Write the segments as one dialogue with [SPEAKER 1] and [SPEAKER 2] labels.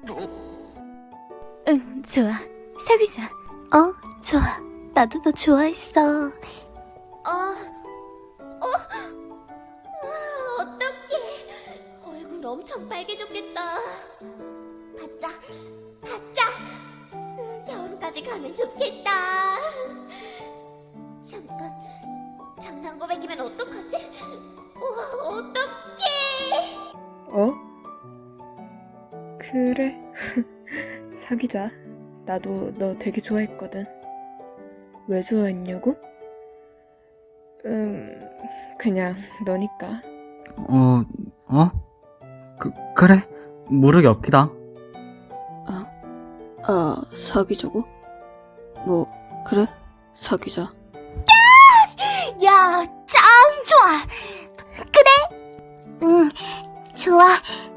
[SPEAKER 1] 응, 좋아. 사귀자.
[SPEAKER 2] 좋아. 나도 너 좋아했어.
[SPEAKER 3] 어떡해. 얼굴 엄청 빨개졌겠다. 받자. 여름까지 가면 좋겠다. 잠깐, 장난 고백이면 어떡하지? 어떡해.
[SPEAKER 4] 어? 그래. 사귀자. 나도 너 되게 좋아했거든. 왜 좋아했냐고? 그냥 너니까.
[SPEAKER 5] 그래. 모르게 없기다.
[SPEAKER 2] 사귀자고? 뭐, 그래? 사귀자.
[SPEAKER 3] 야, 짱 좋아. 그래? 응, 좋아.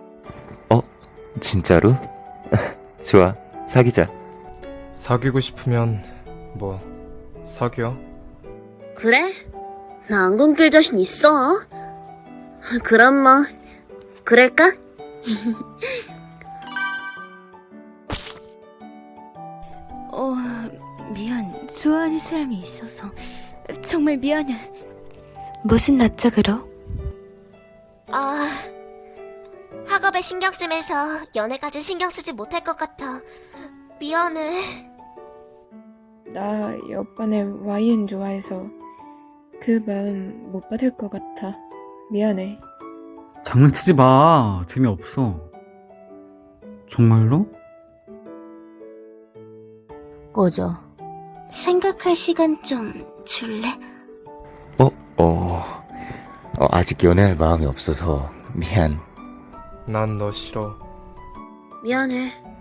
[SPEAKER 6] 진짜로? 좋아, 사귀자.
[SPEAKER 7] 사귀고 싶으면 뭐 사귀어.
[SPEAKER 2] 그래? 나 안 끊길 자신 있어. 그럼 뭐, 그럴까?
[SPEAKER 1] 미안. 좋아하는 사람이 있어서. 정말 미안해.
[SPEAKER 2] 무슨 낯짝으로?
[SPEAKER 3] 학업에 신경 쓰면서 연애까지 신경 쓰지 못할 것 같아. 미안해.
[SPEAKER 4] 나 옆반에 YN 좋아해서 그 마음 못 받을 것 같아. 미안해.
[SPEAKER 5] 장난치지 마. 재미없어. 정말로?
[SPEAKER 2] 꺼져. 생각할 시간 좀 줄래?
[SPEAKER 6] 아직 연애할 마음이 없어서 미안.
[SPEAKER 7] 난 너 싫어.
[SPEAKER 2] 미안해.